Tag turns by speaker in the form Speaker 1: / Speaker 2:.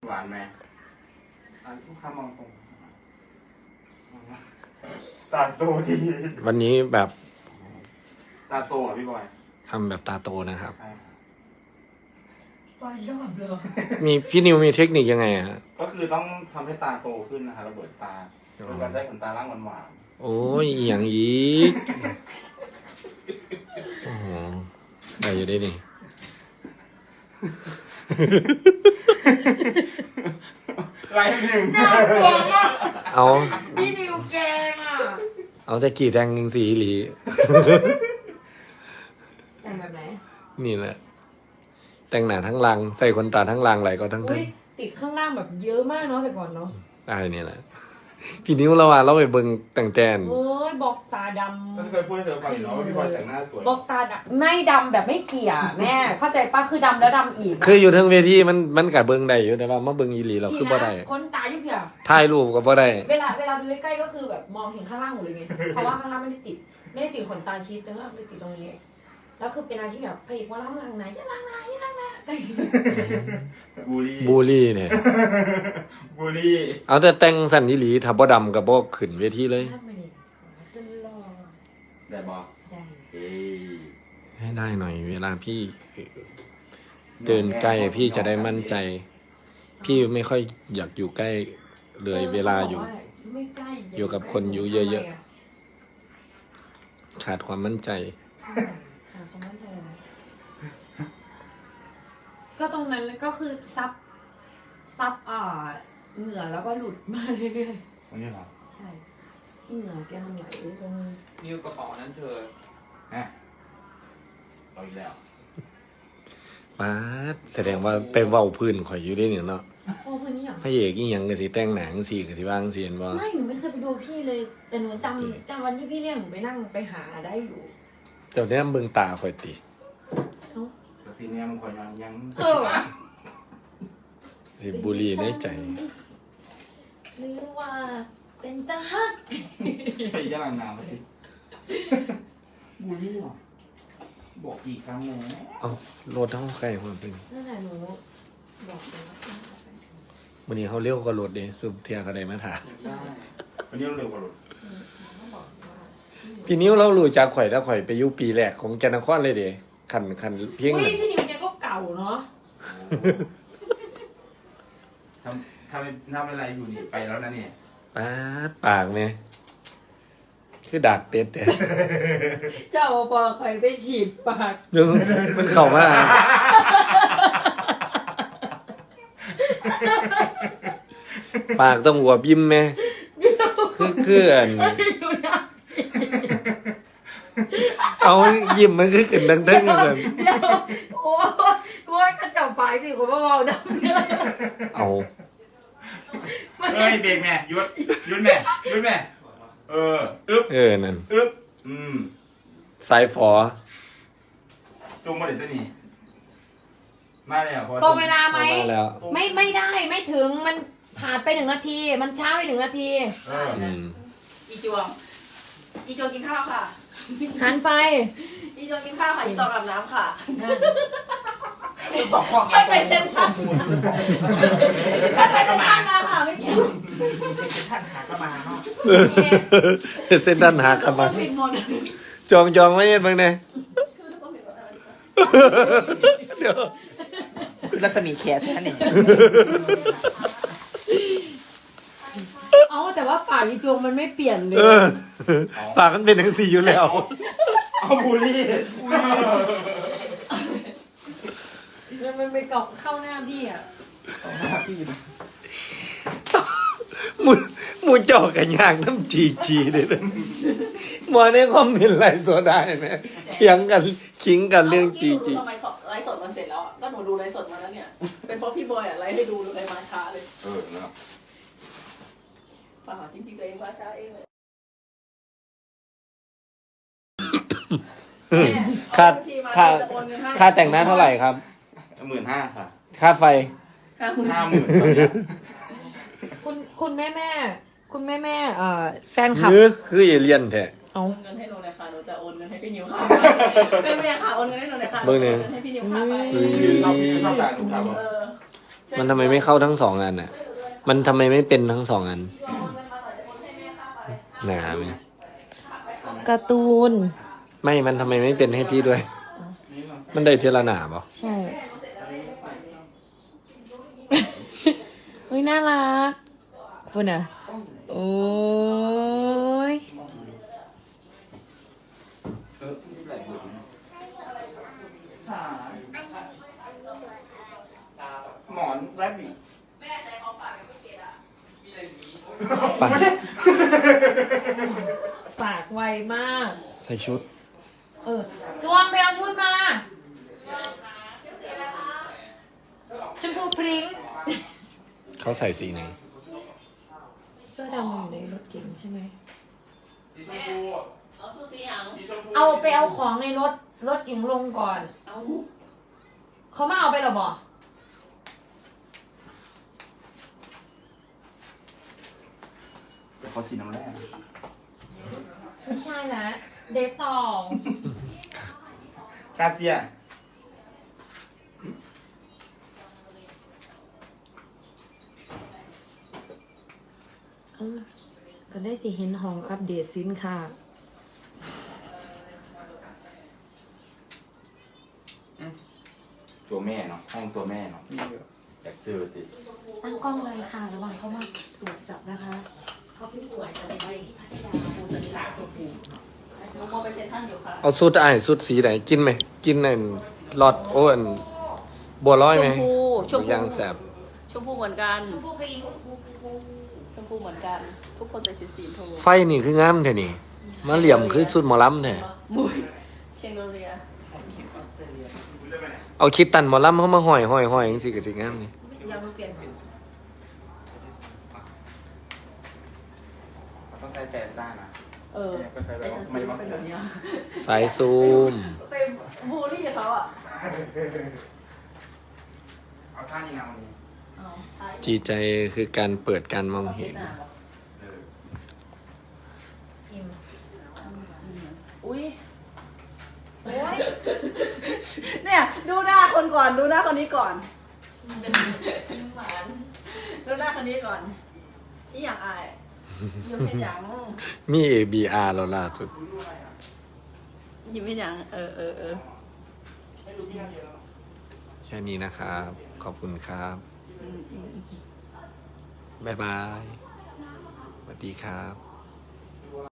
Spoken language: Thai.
Speaker 1: หวานไหมลูกค้ามองตรงตาโตดี
Speaker 2: วันนี้แบบ
Speaker 1: ตาโตอ่ะพี่บอย
Speaker 2: ทำแบบตาโตนะครับ
Speaker 3: บอยชอบเลย
Speaker 2: มีพี่นิวมีเทคนิคยังไงอะฮะ
Speaker 1: ก็คือต้องทำให้ตาโตขึ้นนะคะระเบิดตาโดยการใช้ขนตาล่างหวาน
Speaker 2: โอ้ยอย่างอีกโอ้โหได้อยู่ได้ดิ
Speaker 1: ไรหนึ่ง
Speaker 3: น่ากลัวมาก
Speaker 2: เอา
Speaker 3: พี่นิวแกงอ่ะ
Speaker 2: เอาแต่กี่แดงสีหลี
Speaker 3: แต่งแบบไหน
Speaker 2: นี่แหละแต่งหน้าทั้งรังใส่ขนตาทั้งรังไหลก็ทั้งทึ่ง
Speaker 3: ติดข้างล่างแบบเยอะมากเนาะแต่ก่อนเนาะ
Speaker 2: ได้นี่แหละพี่นิ้วเราว่าเราไปเบิ่งแต่งแตน
Speaker 3: เอ้ยบอกตาดำ
Speaker 1: ฉันเคยพูดให้เธอฟังอยู่ว่าพี่บอยแต่งหน้าสวย
Speaker 3: บอกตาดำไม่ดำแบบไม่เกี่ยแม่เข้าใจป้าคือดำแล้วดำอีก
Speaker 2: คืออยู่ทั้งเวทีมันกัดเบิ่งได้อยู่แต่ว่ามาเบิ่งอีหลีเราคือบ่ได้
Speaker 3: คนตาอยู่เพีย
Speaker 2: ถ่ายรูปก็บ่ได้
Speaker 3: เวลาดูใกล้ๆก็คือแบบมองเห็นข้างล่างหมดเลยไงเพราะว่าข้างล่างไม่ได้ติดขนตาชีสแต่ว่าไม่ได้ติดตรงนี้แล้วคือเป็นอะไรที่แบบพระเอกว่าล้างไหนจะล้างไหน
Speaker 2: บูลลี่เนี่ย
Speaker 1: บูลลี่
Speaker 2: เอาแต่แต่งสั่นอีหลีถ้าบ่ดำก็บ่ขึ้นเวทีเลย
Speaker 1: ได้บ่
Speaker 3: ได้
Speaker 2: ให้ได้หน่อยเวลาพี่เดินใกล้พี่จะได้มั่นใจพี่ไม่ค่อยอยากอยู่ใกล้เลยเวลาอยู่กับคนอยู่เยอะๆขาดความมั่นใจ
Speaker 3: ก็ตรงนั้นก็คือซับเหงื่อแล้วก็หลุดมาเรื่อย
Speaker 1: ๆวันนี้เหรอ
Speaker 3: ใช่เหงื่อแกมันไหลตรง
Speaker 4: นิ้วกระเป๋านั้นเธอ
Speaker 1: เอาอีกแล้ว
Speaker 2: ป๊าดแสดงว่าไปเว้าพื้นข่อยอยู่ได้เนี่ยเนาะ
Speaker 3: โอ้พื้นนี่หรอ
Speaker 2: พระเอกอีหยังก็สิแต่งหนังสิก็สิว่างสิเห็นบ่
Speaker 3: ไม่หนูไม่เคยไปดูพี่เลยแต่หนูจำวันที่พี่เรียกหนูไปนั่งไปหาได้อยู่
Speaker 2: เจ้าแนมเบิ่งตาข่อยติ
Speaker 1: แต่ซีเนี่ยมันข่อยยัง
Speaker 2: สิบุรีในใจ
Speaker 3: หรือว่าเป็นตาฮัก
Speaker 1: ไปย่างน้ำไปบุรีหรอบอกกี่ครั้งแล้ว
Speaker 2: เอารถเฮาใกล้ความเป็น
Speaker 3: นั่นแหละหนูบอกเลยว่า
Speaker 2: วันนี้เขาเร็วกว่ารถเด้สุบเทียก็ได้มาถาม
Speaker 1: ใช่วันนี้เร็วกว่ารถ
Speaker 2: พี่นิ้วเรารู้จักข่อยแล้วข่อยไปอยู่ปีแรกของจันทนครเลยเด้คันเพียง
Speaker 3: พี่นิ้วแกก็เก่าเนาะ
Speaker 1: ทำอะไรอยู่นี่ไปแล้วนะเนี่ย
Speaker 2: ปากเนี่ยคือดักเป็ดเนี่ย
Speaker 3: เจ้าปอคอยไปฉีดปาก
Speaker 2: มันเข้ามาปากต้องหัวบิ้มไหมคือเอายิ้มมันคือขึ้นดังๆแบบ
Speaker 3: โอ้ยข้าเจ้าปากสิคนว่าเบาดัง
Speaker 2: เอา
Speaker 1: เอ้ยเบรกแม่หยุดแม่
Speaker 2: นั่นสายฝอ
Speaker 1: จุ่มมาเด็ดตัวนี้มาแล้ว
Speaker 3: ตรงเวลาไหมไม่ได้ไม่ถึงมันผ่านไป1 นาทีมันช้าไป1 นาที
Speaker 4: อีจวงกินข้าวค่ะ
Speaker 3: หันไป
Speaker 4: อีจวงกินข้าวค่ะอีตองอาบน้ำค่ะไปเส้นทางแล้วค่ะไม่เกี่ยว
Speaker 1: เส้นทางหากระมาเนาะ
Speaker 2: เส้นทางหากระมาจองไม่เห็นบ้างเนี่ย
Speaker 4: เดี๋ยวคือรัศมีแขนแค่นี้
Speaker 3: แต่ว่าปากอีจวงมันไม่เปลี่ยนเลย
Speaker 2: ปากมันเป็นทั้ง4อยู่แล้ว
Speaker 1: เอาบูลลี่
Speaker 3: มันไปเกาะเข้าหน้าพี่อ่ะ
Speaker 2: มูจ่อกันยากน้ำจีเลยนะมาในคอมเมนต์ไลฟ์สดได้ไหมเถียงกันคิงกันเรื่องจี
Speaker 4: ทำไมไลฟ์สดมันเสร็จแล้วก็หนูดูไลฟ์สดมาแล้วเนี่ยเป็นเพราะพี่บอยไลฟ์ให้ดูเลยมาช้าเลย
Speaker 1: นะ
Speaker 4: ป่าจริงๆตัวเองมาช้าเองเลย
Speaker 2: ค่าแต่งหน้าเท่าไหร่ครับ
Speaker 1: 15,000ค่ะ
Speaker 2: ค่าไฟ
Speaker 1: 50,000
Speaker 3: คุณแม่แฟนคลับ
Speaker 2: คือเอเลี่ยนแท้
Speaker 4: เอาเงินให้หนูเลยค่ะหนูจะโอนเงินให้พี่นิวค่ะแม่ค่ะโอนเงินให้หนูเลยค่ะ
Speaker 2: เบอร์เนี่ย
Speaker 4: ให้พี่นิวค่ะไป
Speaker 1: ชอบการถูกครับ
Speaker 2: มันทำไมไม่เข้าทั้งสองอันอ่ะ มันทำไมไม่เป็นทั้งสองอัน หนาไหม
Speaker 3: การ์ตูน
Speaker 2: ไม่ มันทำไมไม่เป็นให้พี่ด้วย มันได้เทละหนาเปล่า
Speaker 3: ใช่ เฮ้ยน่ารักคุณอ่ะ โอ้ย
Speaker 1: หมอนแรบบิท
Speaker 4: แม่ใส่ของฝากไม่เก็ตอ่ะ
Speaker 2: ไป
Speaker 3: ปากไวมาก
Speaker 2: ใส่ชุด
Speaker 3: จวงไปเอาชุดมาชมพูพริ้ง
Speaker 2: เขาใส่สีไหน
Speaker 3: เสื้อดำอยู่ในรถเก๋งใช่ไหม
Speaker 1: สีชมพู
Speaker 4: เอาซูซี่ยัง
Speaker 1: สีชมพู
Speaker 3: เอาไปเอาของในรถเก๋งลงก่อน
Speaker 4: เอา
Speaker 3: เขามาเอาไปหรอบ่
Speaker 1: เดี๋ยวเขาสีน้ำแร่
Speaker 3: ไม่ใช่นะเดทต่อก
Speaker 1: าเซีย
Speaker 3: ก็ได้สิเห็นห้องอัปเดตสินค้า
Speaker 1: ตัวแม่เนาะห้องตัวแม่เนาะอยากเจอติ
Speaker 3: ตั้งกล้องเลยค่ะระหว่างเขามาตรวจจับนะคะ
Speaker 4: เขาพี่ป่วยจะไปที่พัทยาปูสันนิษฐานตัวปูหนูโมไปเซ็นทรัลอยู่ค่ะ
Speaker 2: เอาสุดไอ้สุดสีไหน กินไหม กินในหลอดโอ้อันบัวลอยไหม
Speaker 4: ชมพู
Speaker 2: ย่างแสบ
Speaker 4: ชมพูเหมือนกัน
Speaker 3: ชมพูพริ้ง
Speaker 4: ชมพูเหมือนกัน ทุกคนใส่ชุดสีชมพู
Speaker 2: ไฟนี่คืองามแท้นี่ มาเหลี่ยมคือสุดหมอลำแท้
Speaker 4: มุยเชียงโดเรีย
Speaker 2: เอาคิดตันหมอลำเข้ามาห้อยจังสิกับสิงามนี่
Speaker 3: ยังไม่เปลี่ยน
Speaker 1: ต้องใช้แฟซ่านะ
Speaker 4: เออ
Speaker 1: ก็ใช้แบ
Speaker 4: ไอ้
Speaker 1: บ
Speaker 4: ฉัน
Speaker 1: ไม่
Speaker 4: ซื้อ
Speaker 1: ว่า
Speaker 4: มาเป็นแบบเนี้ย
Speaker 2: สายซูม
Speaker 4: ไปบูลลี่เขาอ่ะ
Speaker 1: เอาท่านี้นะวันนี้
Speaker 4: เอาท้าย
Speaker 2: จีใจคือการเปิดการมองเห็น
Speaker 3: อิ่ม
Speaker 4: อุ้ย
Speaker 3: โอ้ย
Speaker 4: เนี่ยดูหน้าคนก่อนดูหน้าคนนี้ก่อน
Speaker 3: อิ่มหวาน
Speaker 4: ดูหน้าคนนี้ก่อนนี่อย่างอายยิ้มเป็นอย่าง
Speaker 2: มี ABR แล้วล่าสุด
Speaker 4: ยิ้มเป็นอย่างเออ
Speaker 2: แค่นี้นะครับ ขอบคุณครับ
Speaker 4: อืม
Speaker 2: บ๊ายบาย สวัสดีครับ